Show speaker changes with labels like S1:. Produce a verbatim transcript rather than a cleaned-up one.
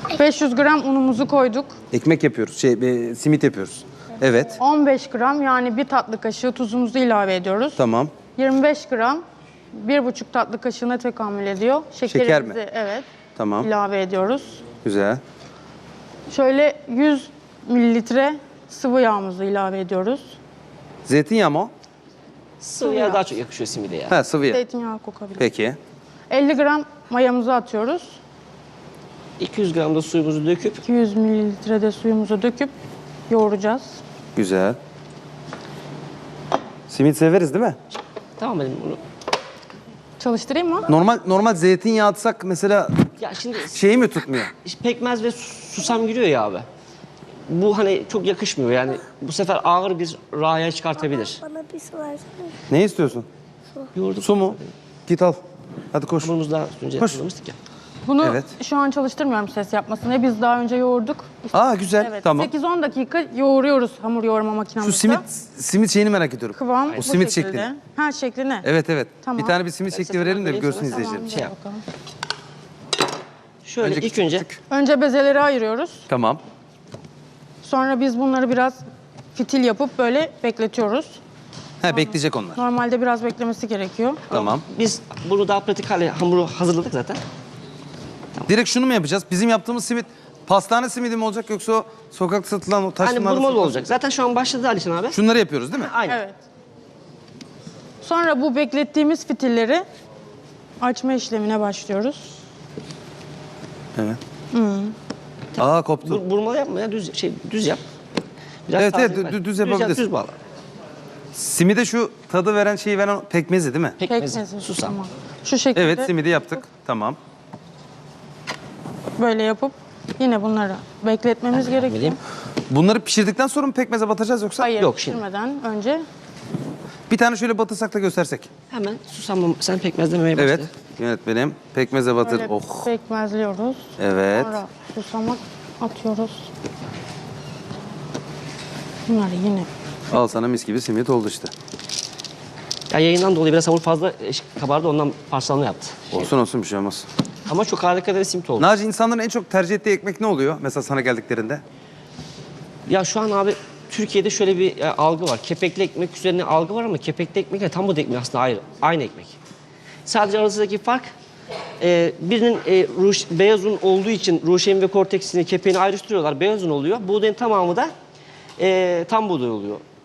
S1: beş yüz gram unumuzu koyduk.
S2: Ekmek yapıyoruz, şey, e, simit yapıyoruz. Evet,
S1: on beş gram yani bir tatlı kaşığı tuzumuzu ilave ediyoruz.
S2: tamam.
S1: yirmi beş gram bir buçuk tatlı kaşığına tekamül ediyor. Şekerimizi
S2: Şeker mi?
S1: evet
S2: Tamam,
S1: ilave ediyoruz.
S2: güzel.
S1: Şöyle yüz mililitre sıvı yağımızı ilave ediyoruz.
S2: Zeytinyağı mı o?
S3: Sıvı yağ daha çok yakışıyor simide ya.
S2: Ha, sıvı yağ.
S1: Zeytinyağı kokabilir.
S2: Peki.
S1: elli gram mayamızı atıyoruz.
S3: iki yüz gram da suyumuzu döküp
S1: iki yüz mililitre de suyumuzu döküp yoğuracağız.
S2: Güzel. Simit severiz değil mi?
S3: tamam benim bunu.
S1: Çalıştırayım mı?
S2: Normal normal zeytinyağı atsak mesela
S3: Ya şimdi
S2: şeyi mi tutmuyor?
S3: işte pekmez ve susam giriyor ya abi. Bu hani çok yakışmıyor yani bu sefer ağır bir raya çıkartabilir.
S4: Bana bir su versene.
S2: Ne istiyorsun?
S3: Yoğurduk.
S2: Su mu? Git al. Hadi koş.
S3: Hamurumuzu daha önce
S2: Hoş.
S3: hazırlamıştık ya.
S1: Bunu
S2: Evet.
S1: şu an çalıştırmıyorum ses yapmasını. Biz daha önce yoğurduk.
S2: Aa, güzel.
S1: Evet.
S2: Tamam.
S1: sekiz on dakika yoğuruyoruz hamur yoğurma makinemizde.
S2: Şu simit simit şeyini merak ediyorum.
S1: Kıvam
S2: O
S1: bu
S2: simit
S1: şekilde.
S2: şeklini.
S1: Ha şekline.
S2: Evet evet.
S1: Tamam.
S2: Bir tane bir simit şekli verelim de bir görsün
S3: Tamam,
S2: izleyicilerimiz.
S3: Şey yap.
S1: Bakalım.
S3: Şöyle
S2: Önce
S3: ilk önce
S1: Önce bezeleri ayırıyoruz.
S2: Tamam.
S1: Sonra biz bunları biraz fitil yapıp böyle bekletiyoruz.
S2: Ha, bekleyecek onlar.
S1: Normalde biraz beklemesi gerekiyor.
S2: Tamam.
S3: biz bunu daha pratik hale hamuru hazırladık zaten.
S2: Direkt şunu mu yapacağız? Bizim yaptığımız simit pastane simidi mi olacak yoksa o sokakta satılan o
S3: Hani
S2: taşlılarla
S3: burmalı
S2: satılan-
S3: olacak. Zaten şu an başladı Alişan abi.
S2: Şunları yapıyoruz değil mi?
S3: Aynen.
S1: Evet. Sonra bu beklettiğimiz fitilleri açma işlemine başlıyoruz.
S2: Evet. Aa, koptu.
S3: Bur- burmalı yapma ya düz şey düz yap. Biraz
S2: Evet, evet,
S3: tazelik
S2: dü-
S3: ver.
S2: düz
S3: yap,
S2: yapabilirsin.
S3: düz bağla.
S2: Simide şu tadı veren şeyi veren pekmezi değil mi?
S3: Pekmezi,
S1: Pekmezi.
S3: susam.
S1: Tamam. Şu şekilde
S2: Evet, simidi yaptık. Tamam.
S1: böyle yapıp yine bunları bekletmemiz gerekiyor.
S3: vereyim.
S2: Bunları pişirdikten sonra mı pekmeze batacağız yoksa?
S1: Hayır,
S3: Yok, şimdi.
S1: pişirmeden önce
S2: Bir tane şöyle batırsak da göstersek.
S3: Hemen susam sen pekmez demeye başla.
S2: Evet. Yönetmenim. Pekmeze batır.
S1: böyle
S2: Oh.
S1: pekmezliyoruz.
S2: Evet.
S1: Sonra susamak atıyoruz. Bunları yine
S2: Al sana mis gibi simit oldu işte.
S3: Ya yayından dolayı biraz hamur fazla e, kabardı ondan parçalanma yaptı.
S2: Olsun olsun, bir şey olmaz.
S3: Ama çok harika da bir simit oldu.
S2: Naci, insanların en çok tercih ettiği ekmek ne oluyor? Mesela sana geldiklerinde.
S3: Ya şu an abi Türkiye'de şöyle bir e, algı var. Kepekli ekmek üzerine algı var ama kepekli ekmekle tam bu da ekmek aslında ayrı. Aynı ekmek. Sadece arasındaki fark e, birinin e, ruş, beyaz un olduğu için ruşen ve korteksini, kepeğini ayrıştırıyorlar. Beyaz un oluyor. Buğdayın tamamı da e, tam buğday oluyor.